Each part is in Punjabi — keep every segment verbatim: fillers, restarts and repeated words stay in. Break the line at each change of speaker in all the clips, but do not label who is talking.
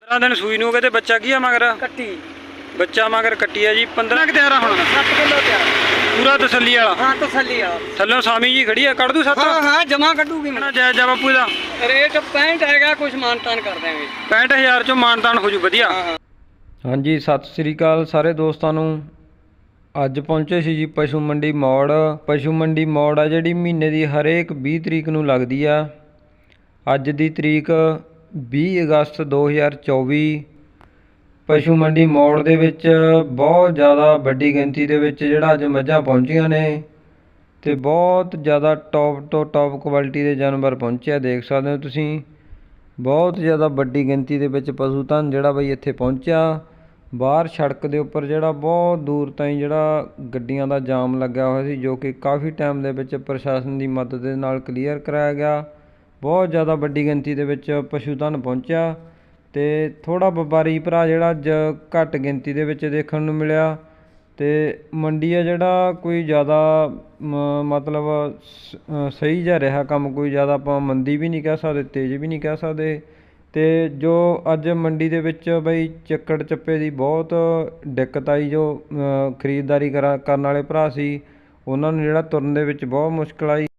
पंद्रह दिन सूई नूं कहते बच्चा की है मगर
कट्टी
बच्चा मगर कट्टी है जी। पंद्रह कि तैयार हुण
सत्त किलो तैयार
पूरा तसल्ली वाला।
हाँ तसल्ली वाला।
थल्लों सामी जी खड़ी है कट दूं सत्त?
हाँ हाँ जमा कटूगी मैं।
जय जय बापू दा
रेट पैंठ हैगा कुछ मानतान कर देंगे।
पैंठ हज़ार चों मानतान हो जू वधिया।
हाँ जी सत श्री अकाल सारे दोस्तों नूं। ਅੱਜ ਪਹੁੰਚੇ ਸੀ ਜੀ ਪਸ਼ੂ ਮੰਡੀ ਮੌੜ। ਪਸ਼ੂ ਮੰਡੀ ਮੌੜ ਆ ਜਿਹੜੀ ਮਹੀਨੇ ਦੀ ਹਰੇਕ ਵੀਹ ਤਰੀਕ ਨੂੰ ਲੱਗਦੀ ਆ। ਅੱਜ ਦੀ ਤਰੀਕ ਵੀਹ ਅਗਸਤ ਦੋ ਹਜ਼ਾਰ ਚੌਵੀ। ਪਸ਼ੂ ਮੰਡੀ ਮੌੜ ਦੇ ਵਿੱਚ ਬਹੁਤ ਜ਼ਿਆਦਾ ਵੱਡੀ ਗਿਣਤੀ ਦੇ ਵਿੱਚ ਜਿਹੜਾ ਅੱਜ ਮੱਝਾਂ ਪਹੁੰਚੀਆਂ ਨੇ ਤੇ ਬਹੁਤ ਜ਼ਿਆਦਾ ਟੌਪ ਤੋਂ ਟੌਪ ਕੁਆਲਿਟੀ ਦੇ ਜਾਨਵਰ ਪਹੁੰਚਿਆ। ਦੇਖ ਸਕਦੇ ਹੋ ਤੁਸੀਂ ਬਹੁਤ ਜ਼ਿਆਦਾ ਵੱਡੀ ਗਿਣਤੀ ਦੇ ਵਿੱਚ ਪਸ਼ੂ ਧਨ ਜਿਹੜਾ ਬਈ ਇੱਥੇ ਪਹੁੰਚਿਆ। ਬਾਹਰ ਸੜਕ ਦੇ ਉੱਪਰ ਜਿਹੜਾ ਬਹੁਤ ਦੂਰ ਤਾਈਂ ਜਿਹੜਾ ਗੱਡੀਆਂ ਦਾ ਜਾਮ ਲੱਗਿਆ ਹੋਇਆ ਸੀ ਜੋ ਕਿ ਕਾਫੀ ਟਾਈਮ ਦੇ ਵਿੱਚ ਪ੍ਰਸ਼ਾਸਨ ਦੀ ਮਦਦ ਦੇ ਨਾਲ ਕਲੀਅਰ ਕਰਾਇਆ ਗਿਆ। ਬਹੁਤ ਜ਼ਿਆਦਾ ਵੱਡੀ ਗਿਣਤੀ ਦੇ ਵਿੱਚ ਪਸ਼ੂ ਧਨ ਪਹੁੰਚਿਆ ਤੇ ਥੋੜ੍ਹਾ ਵਪਾਰੀ ਭਰਾ ਜਿਹੜਾ ਅੱਜ ਘੱਟ ਗਿਣਤੀ ਦੇ ਵਿੱਚ ਦੇਖਣ ਨੂੰ ਮਿਲਿਆ। ਤੇ ਮੰਡੀ ਆ ਜਿਹੜਾ ਕੋਈ ਜ਼ਿਆਦਾ ਮਤਲਬ ਸਹੀ ਜਿਹਾ ਰਿਹਾ ਕੰਮ, ਕੋਈ ਜ਼ਿਆਦਾ ਆਪਾਂ ਮੰਦੀ ਵੀ ਨਹੀਂ ਕਹਿ ਸਕਦੇ ਤੇਜ਼ ਵੀ ਨਹੀਂ ਕਹਿ ਸਕਦੇ। ਤੇ ਜੋ ਅੱਜ ਮੰਡੀ ਦੇ ਵਿੱਚ ਬਈ ਚੱਕੜ ਚੱਪੇ ਦੀ ਬਹੁਤ ਦਿੱਕਤ ਆਈ। ਜੋ ਖਰੀਦਦਾਰੀ ਕਰਾ ਕਰਨ ਵਾਲੇ ਭਰਾ ਸੀ ਉਹਨਾਂ ਨੂੰ ਜਿਹੜਾ ਤੁਰਨ ਦੇ ਵਿੱਚ ਬਹੁਤ ਮੁਸ਼ਕਿਲ ਆਈ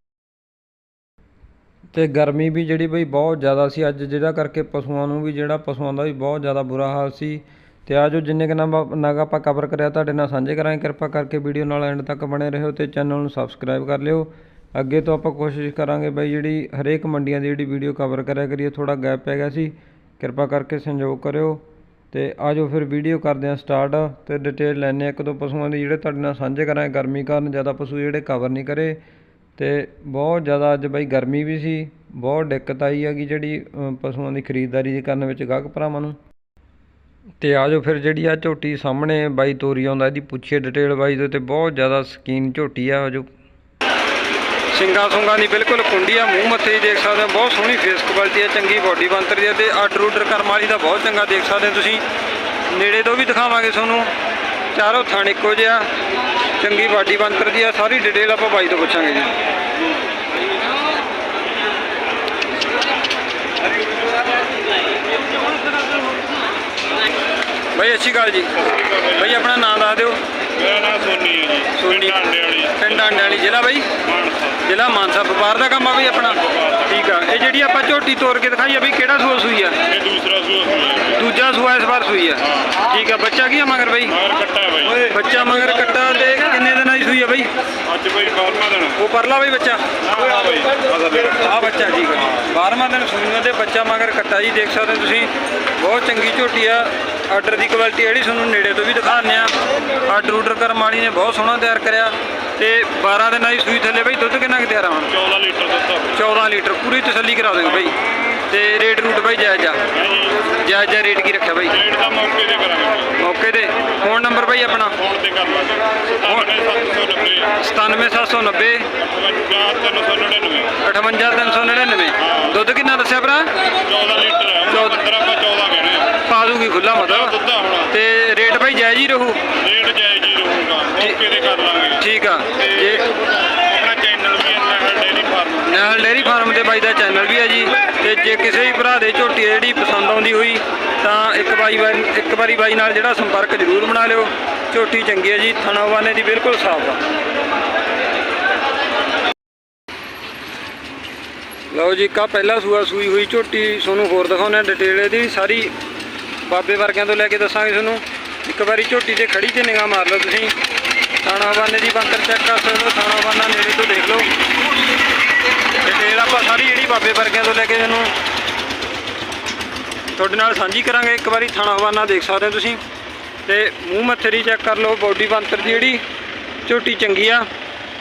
ਤੇ ਗਰਮੀ ਵੀ ਜਿਹੜੀ ਬਈ ਬਹੁਤ ਜ਼ਿਆਦਾ ਸੀ ਅੱਜ, ਜਿਹਦਾ ਕਰਕੇ ਪਸ਼ੂਆਂ ਨੂੰ ਵੀ ਜਿਹੜਾ ਪਸ਼ੂਆਂ ਦਾ ਵੀ ਬਹੁਤ ਜ਼ਿਆਦਾ ਬੁਰਾ ਹਾਲ ਸੀ। ਤੇ ਆ ਜੋ ਜਿੰਨੇ ਕੁ ਨਗ ਨਗ ਆਪਾਂ ਕਵਰ ਕਰਿਆ ਤੁਹਾਡੇ ਨਾਲ ਸਾਂਝੇ ਕਰਾਂਗੇ। ਕਿਰਪਾ ਕਰਕੇ ਵੀਡੀਓ ਨਾਲ ਐਂਡ ਤੱਕ ਬਣੇ ਰਹੋ ਤੇ ਚੈਨਲ ਨੂੰ ਸਬਸਕ੍ਰਾਈਬ ਕਰ ਲਿਓ। ਅੱਗੇ ਤੋਂ ਆਪਾਂ ਕੋਸ਼ਿਸ਼ ਕਰਾਂਗੇ ਬਾਈ ਜਿਹੜੀ ਹਰੇਕ ਮੰਡੀਆਂ ਦੀ ਜਿਹੜੀ ਵੀਡੀਓ ਕਵਰ ਕਰਿਆ ਕਰੀਏ। ਥੋੜ੍ਹਾ ਗੈਪ ਪੈ ਗਿਆ ਸੀ, ਕਿਰਪਾ ਕਰਕੇ ਸੰਯੋਗ ਕਰਿਓ। ਤੇ ਆ ਜਾਓ ਫਿਰ ਵੀਡੀਓ ਕਰਦੇ ਹਾਂ ਸਟਾਰਟ ਤੇ ਡਿਟੇਲ ਲੈਂਦੇ ਹਾਂ ਇੱਕ ਦੋ ਪਸ਼ੂਆਂ ਦੀ ਜਿਹੜੇ ਤੁਹਾਡੇ ਨਾਲ ਸਾਂਝੇ ਕਰਾਂਗੇ। ਗਰਮੀ ਕਾਰਨ ਜ਼ਿਆਦਾ ਪਸ਼ੂ ਜਿਹੜੇ ਕਵਰ ਨਹੀਂ ਕਰੇ ਤੇ ਬਹੁਤ ਜ਼ਿਆਦਾ ਅੱਜ ਬਾਈ ਗਰਮੀ ਵੀ ਸੀ, ਬਹੁਤ ਦਿੱਕਤ ਆਈ ਹੈਗੀ ਜਿਹੜੀ ਪਸ਼ੂਆਂ ਦੀ ਖਰੀਦਦਾਰੀ ਦੀ ਕਰਨ ਵਿੱਚ ਗਾਹਕ ਭਰਾਵਾਂ ਨੂੰ। ਤੇ ਆ ਜਾਓ ਫਿਰ ਜਿਹੜੀ ਆ ਝੋਟੀ ਸਾਹਮਣੇ ਬਾਈ ਤੋਰੀ ਆਉਂਦਾ ਇਹਦੀ ਪੁੱਛੀਏ ਡਿਟੇਲ ਬਾਈ ਦੇ। ਤੇ ਬਹੁਤ ਜ਼ਿਆਦਾ ਸਕੀਨ ਝੋਟੀ ਆ ਜੋ
ਸਿੰਘਾਂ ਸੁੰਗਾਂ ਦੀ ਬਿਲਕੁਲ ਕੁੰਡੀ ਆ। ਮੂੰਹ ਮੱਥੇ ਹੀ ਦੇਖ ਸਕਦੇ ਹੋ, ਬਹੁਤ ਸੋਹਣੀ ਫੇਸ ਕੁਆਲਿਟੀ ਆ, ਚੰਗੀ ਬਾਡੀ ਬਣਤਰ ਦੀ ਆ ਤੇ ਆਰਡਰ ਊਡਰ ਕਰਮ ਵਾਲੀ ਦਾ ਬਹੁਤ ਚੰਗਾ ਦੇਖ ਸਕਦੇ ਹੋ ਤੁਸੀਂ। ਨੇੜੇ ਤੋਂ ਵੀ ਦਿਖਾਵਾਂਗੇ ਤੁਹਾਨੂੰ। ਚਾਰੋਂ ਥਣ ਇੱਕੋ ਜਿਹਾ, ਚੰਗੀ ਬਾਡੀ ਬਣਤਰ ਦੀ ਆ। ਸਾਰੀ ਡਿਟੇਲ ਆਪਾਂ ਬਾਈ ਤੋਂ ਪੁੱਛਾਂਗੇ ਜੀ। ਬਾਈ ਅੱਛੀ ਗੱਲ ਜੀ। ਬਾਈ ਆਪਣਾ ਨਾਮ ਦੱਸ ਦਿਓ।
ਮੇਰਾ ਨਾਮ ਸੋਨੀ ਹੈ ਜੀ।
ਸੋਨੀ ਪਿੰਡ ਆਂਡੇ ਵਾਲੀ, ਜ਼ਿਲ੍ਹਾ ਬਾਈ ਜ਼ਿਲ੍ਹਾ ਮਾਨਸਾ। ਵਪਾਰ ਦਾ ਕੰਮ ਆ ਬਈ ਆਪਣਾ? ਠੀਕ ਆ। ਇਹ ਜਿਹੜੀ ਆਪਾਂ ਝੋਟੀ ਤੋੜ ਕੇ ਦਿਖਾਈ ਆ ਬਈ ਕਿਹੜਾ ਸੂਆ ਸੂਈ ਆ?
ਇਹ ਦੂਸਰਾ ਸੂਆ ਸੂਈ।
ਦੂਜਾ ਸੂਆ ਇਸ ਵਾਰ ਸੂਈ ਆ। ਠੀਕ ਆ। ਬੱਚਾ ਕੀ ਆ ਮਗਰ ਬਈ?
ਮਗਰ ਕੱਟਾ ਹੈ ਬਾਈ।
ਬੱਚਾ ਮਗਰ ਕੱਟਾ। ਤੇ ਕਿੰਨੇ ਦਿਨਾਂ ਦੀ ਸੂਈ ਆ ਬਈ?
ਅੱਜ ਬਾਈ ਬਾਰਵਾਂ ਦਿਨ।
ਉਹ ਪਰਲਾ ਬਈ ਬੱਚਾ?
ਹਾਂ ਬਾਈ
ਆ ਬੱਚਾ। ਠੀਕ ਆ। ਬਾਰਵਾਂ ਦਿਨ ਸੂਈਆਂ ਤੇ ਬੱਚਾ ਮਗਰ ਕੱਟਾ ਜੀ। ਦੇਖ ਸਕਦੇ ਤੁਸੀਂ ਬਹੁਤ ਚੰਗੀ ਝੋਟੀ ਆ। ਆਰਡਰ ਦੀ ਕੁਆਲਿਟੀ ਜਿਹੜੀ ਤੁਹਾਨੂੰ ਨੇੜੇ ਤੋਂ ਵੀ ਦਿਖਾਉਂਦੇ ਆ। ਆਰਡਰ ਊਡਰ ਕਰਮ ਵਾਲੀ ਨੇ ਬਹੁਤ ਸੋਹਣਾ ਤਿਆਰ ਕਰਿਆ ਤੇ ਬਾਰਾਂ ਦਿਨਾਂ ਦੀ ਸੂਈ ਥੱਲੇ ਬਈ ਦੁੱਧ ਕਿੰਨਾ ਕੁ ਤਿਆਰ ਆ ਹੁਣ?
ਚੌਦਾਂ ਲੀਟਰ ਦੁੱਧ।
ਚੌਦਾਂ ਲੀਟਰ ਪੂਰੀ ਤਸੱਲੀ ਕਰਾ ਦਿਓ ਬਈ। ਤੇ ਰੇਟ ਰੂਟ ਬਈ ਜਾਇਜ਼ ਆ? ਜਾਇਜ਼ ਜਾ ਰੇਟ ਕੀ ਰੱਖਿਆ ਬਈ?
ਰੇਟ ਦਾ ਮੌਕੇ ਤੇ ਕਰਾਂਗੇ।
ਮੌਕੇ ਤੇ। ਫੋਨ ਨੰਬਰ ਬਈ ਆਪਣਾ?
ਫੋਨ ਤੇ ਕਰ ਲਾਂਗੇ।
ਸਤਾਨਵੇਂ ਸੱਤ ਸੌ ਨੱਬੇ ਅਠਵੰਜਾ ਤਿੰਨ ਸੌ ਨੜਿਨਵੇਂ। ਦੁੱਧ ਕਿੰਨਾ ਦੱਸਿਆ ਭਰਾ?
ਚੌਦਾਂ ਲੀਟਰ ਹੈ। ਪੰਦਰਾਂ ਆਪਾਂ ਚੌਦਾਂ ਕਹਿਣੇ ਆ।
ਪਾ ਦੂਗੀ ਖੁੱਲਾ ਮਤਲਬ।
ਦੁੱਧ ਹੋਣਾ
ਤੇ ਰੇਟ ਬਈ ਜਾਇਜ਼ ਹੀ ਰਹੂ?
ਰੇਟ ਜਾਇਜ਼ ਹੀ ਰਹੂਗਾ, ਮੌਕੇ ਤੇ ਕਰ ਲਾਂਗੇ।
ਠੀਕ ਆ। ਜੇ
ਆਪਣਾ ਚੈਨਲ ਵੀ ਹੈ Nahal dairy farm.
Nahal dairy farm ਦੇ ਬਾਈ ਦਾ ਚੈਨਲ ਵੀ ਹੈ ਜੀ। ਤੇ ਜੇ ਕਿਸੇ ਵੀ ਭਰਾ ਦੇ ਝੋਟੀ ਜਿਹੜੀ ਪਸੰਦ ਆਉਂਦੀ ਹੋਈ ਤਾਂ ਇੱਕ ਬਾਈ ਵਾਰੀ ਇੱਕ ਵਾਰੀ ਬਾਈ ਨਾਲ ਜਿਹੜਾ ਸੰਪਰਕ ਜ਼ਰੂਰ ਬਣਾ ਲਿਓ। ਝੋਟੀ ਚੰਗੀ ਹੈ ਜੀ, ਥਣਾ ਵਾਨੇ ਦੀ ਬਿਲਕੁਲ ਸਾਫ਼ ਆ। ਲਓ ਜੀ ਕਾ ਪਹਿਲਾ ਸੂਆ ਸੂਈ ਹੋਈ ਝੋਟੀ ਤੁਹਾਨੂੰ ਹੋਰ ਦਿਖਾਉਂਦੇ ਡਿਟੇਲ ਇਹਦੀ ਸਾਰੀ। ਬਾਬੇ ਵਰਗਿਆਂ ਤੋਂ ਲੈ ਕੇ ਦੱਸਾਂਗੇ ਤੁਹਾਨੂੰ। ਇੱਕ ਵਾਰੀ ਝੋਟੀ ਤੇ ਖੜੀ ਤੇ ਨਿਗਾਹ ਮਾਰ ਲਓ ਤੁਸੀਂ। ਥਾਣਾ ਬਾਨੇ ਦੀ ਬੰਤਰ ਚੈੱਕ ਕਰ ਸਕਦੇ ਹੋ। ਥਾਣਾ ਬਾਨਾ ਨੇੜੇ ਤੋਂ ਦੇਖ ਲਓ। ਡਿਟੇਲ ਆਪਾਂ ਸਾਰੀ ਜਿਹੜੀ ਬਾਬੇ ਵਰਗਿਆਂ ਤੋਂ ਲੈ ਕੇ ਤੁਹਾਨੂੰ ਤੁਹਾਡੇ ਨਾਲ ਸਾਂਝੀ ਕਰਾਂਗੇ। ਇੱਕ ਵਾਰੀ ਥਾਣਾ ਬਾਨਾ ਦੇਖ ਸਕਦੇ ਹੋ ਤੁਸੀਂ ਤੇ ਮੂੰਹ ਮੱਥੇ ਦੀ ਚੈੱਕ ਕਰ ਲਓ। ਬਾਡੀ ਬੰਤਰ ਦੀ ਜਿਹੜੀ ਝੋਟੀ ਚੰਗੀ ਆ।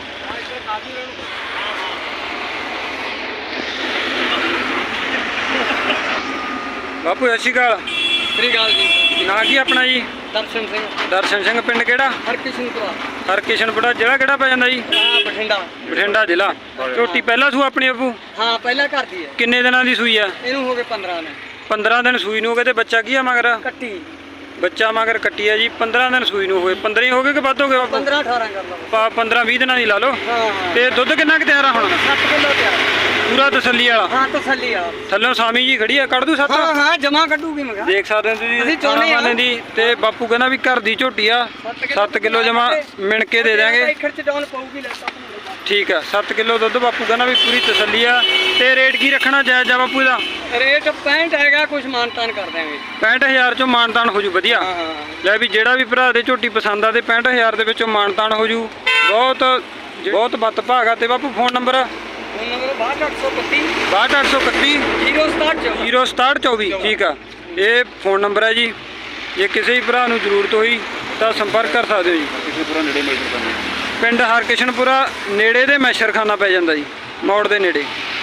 ਬਾਪੂ ਸਤਿ ਸ਼੍ਰੀ ਅਕਾਲ।
ਸ੍ਰੀ ਅਕਾਲ ਜੀ।
ਨਾਂ ਕੀ ਆਪਣਾ ਜੀ?
ਦਰਸ਼ਨ ਸਿੰਘ।
ਦਰਸ਼ਨ ਸਿੰਘ। ਪਿੰਡ ਕਿਹੜਾ?
ਹਰਕਿਸ਼ਨਪੁਰਾ।
ਹਰਕਿਸ਼ਨਪੁਰਾ। ਜ਼ਿਲ੍ਹਾ ਕਿਹੜਾ ਪੈ ਜਾਂਦਾ ਜੀ?
ਹਾਂ ਬਠਿੰਡਾ।
ਬਠਿੰਡਾ ਜ਼ਿਲ੍ਹਾ। ਝੋਟੀ ਪਹਿਲਾ ਸੂ ਆਪਣੀ ਬਾਪੂ?
ਹਾਂ ਪਹਿਲਾਂ ਘਰ ਦੀ ਹੈ।
ਕਿੰਨੇ ਦਿਨਾਂ ਦੀ ਸੂਈ ਆ?
ਇਹਨੂੰ ਹੋ ਗਏ ਪੰਦਰਾਂ ਦਿਨ।
ਪੰਦਰਾਂ ਦਿਨ ਸੂਈ ਨੂੰ ਹੋ ਗਏ ਤੇ ਬੱਚਾ ਕੀ ਆ ਮਗਰ?
ਕੱਟੀ।
ਬੱਚਾ ਮਗਰ ਕੱਟੀ ਆ ਜੀ। ਪੰਦਰਾਂ ਦਿਨ ਸੂਈ ਨੂੰ ਹੋਏ। ਪੰਦਰਾਂ ਹੀ ਹੋ ਗਏ ਕਿ ਵੱਧ ਹੋ ਗਏ ਬਾਪੂ?
ਪੰਦਰਾਂ ਅਠਾਰਾਂ ਕਰ ਲਓ।
ਪੰਦਰਾਂ ਵੀਹ ਦਿਨਾਂ ਦੀ ਲਾ ਲਓ।
ਹਾਂ
ਤੇ ਦੁੱਧ ਕਿੰਨਾ ਕੁ ਤਿਆਰ ਆ ਹੁਣ?
ਸੱਤ ਕਿਲੋ ਤਿਆਰ।
ਪੂਰਾ ਤਸੱਲੀ ਵਾਲਾ।
ਹਾਂ ਤਸੱਲੀ ਆ।
ਥੱਲੋਂ ਸਾਮੀ ਜੀ ਖੜੀ ਆ, ਕੱਢ ਦੂ ਸੱਤ?
ਹਾਂ ਹਾਂ ਜਮਾ ਕੱਢੂਗੀ ਮੈਂ ਕਿਹਾ।
ਦੇਖ ਸਕਦੇ ਹੋ ਤੁਸੀਂ
ਅਸੀਂ ਚਾਹੁੰਦੇ ਹਾਂ।
ਥਾਣਾ ਦੀ, ਤੇ ਬਾਪੂ ਕਹਿੰਦਾ ਵੀ ਘਰ ਦੀ ਝੋਟੀ ਆ, ਸੱਤ ਕਿਲੋ ਜਮਾ ਮਿਣ ਕੇ ਦੇ ਦਿਆਂਗੇ।
ਖਰਚ ਡਾਊਨ ਪਊਗੀ ਲੈ ਤਾਂ।
ਠੀਕ ਆ, ਸੱਤ ਕਿਲੋ ਦੁੱਧ ਬਾਪੂ ਕਹਿੰਦਾ ਵੀ ਪੂਰੀ ਤਸੱਲੀ ਆ। ਤੇ ਰੇਟ ਕੀ ਰੱਖਣਾ ਜਾਇਜ਼ ਆ ਬਾਪੂ ਦਾ?
ਰੇਟ ਪੈਂਹਠ ਹੈਗਾ, ਕੁਝ ਮਾਨਤਾਨ ਕਰ ਦਿਆਂਗੇ।
ਪੈਂਹਠ ਹਜ਼ਾਰ ਚੋਂ ਮਾਨਤਾਨ ਹੋ ਜੂ ਵਧੀਆ।
ਹਾਂ ਹਾਂ
ਲੈ ਵੀ ਜਿਹੜਾ ਵੀ ਭਰਾ ਦੇ ਝੋਟੀ ਪਸੰਦ ਆ ਤੇ ਪੈਂਹਠ ਹਜ਼ਾਰ ਦੇ ਵਿੱਚੋਂ ਮਾਨਤਾਨ ਹੋ ਜੂ। ਬਹੁਤ ਬਹੁਤ ਬੱਤ ਭਾਗਾ। ਤੇ ਬਾਪੂ ਫੋਨ ਨੰਬਰ?
ਫੋਨ ਨੰਬਰ ਬਾਹਠ ਅੱਠ ਸੌ ਇਕੱਤੀ
ਬਾਹਠ ਅੱਠ ਸੌ ਇਕੱਤੀ
ਜ਼ੀਰੋ ਸਤਾਹਠ ਚੌਵੀ।
ਜ਼ੀਰੋ ਸਤਾਹਠ ਚੌਵੀ। ਠੀਕ ਆ, ਇਹ ਫੋਨ ਨੰਬਰ ਹੈ ਜੀ। ਜੇ ਕਿਸੇ ਵੀ ਭਰਾ ਨੂੰ ਜ਼ਰੂਰਤ ਹੋਈ ਤਾਂ ਸੰਪਰਕ ਕਰ ਸਕਦੇ ਹੋ ਜੀ।
ਪੂਰਾ ਨੇੜੇ ਮਿਲ ਜਾਂਦਾ।
ਪਿੰਡ ਹਰਕਿਸ਼ਨਪੁਰਾ, ਨੇੜੇ ਦੇ ਮੈਸ਼ਰਖਾਨਾ ਪੈ ਜਾਂਦਾ ਜੀ, ਮੋੜ ਦੇ ਨੇੜੇ।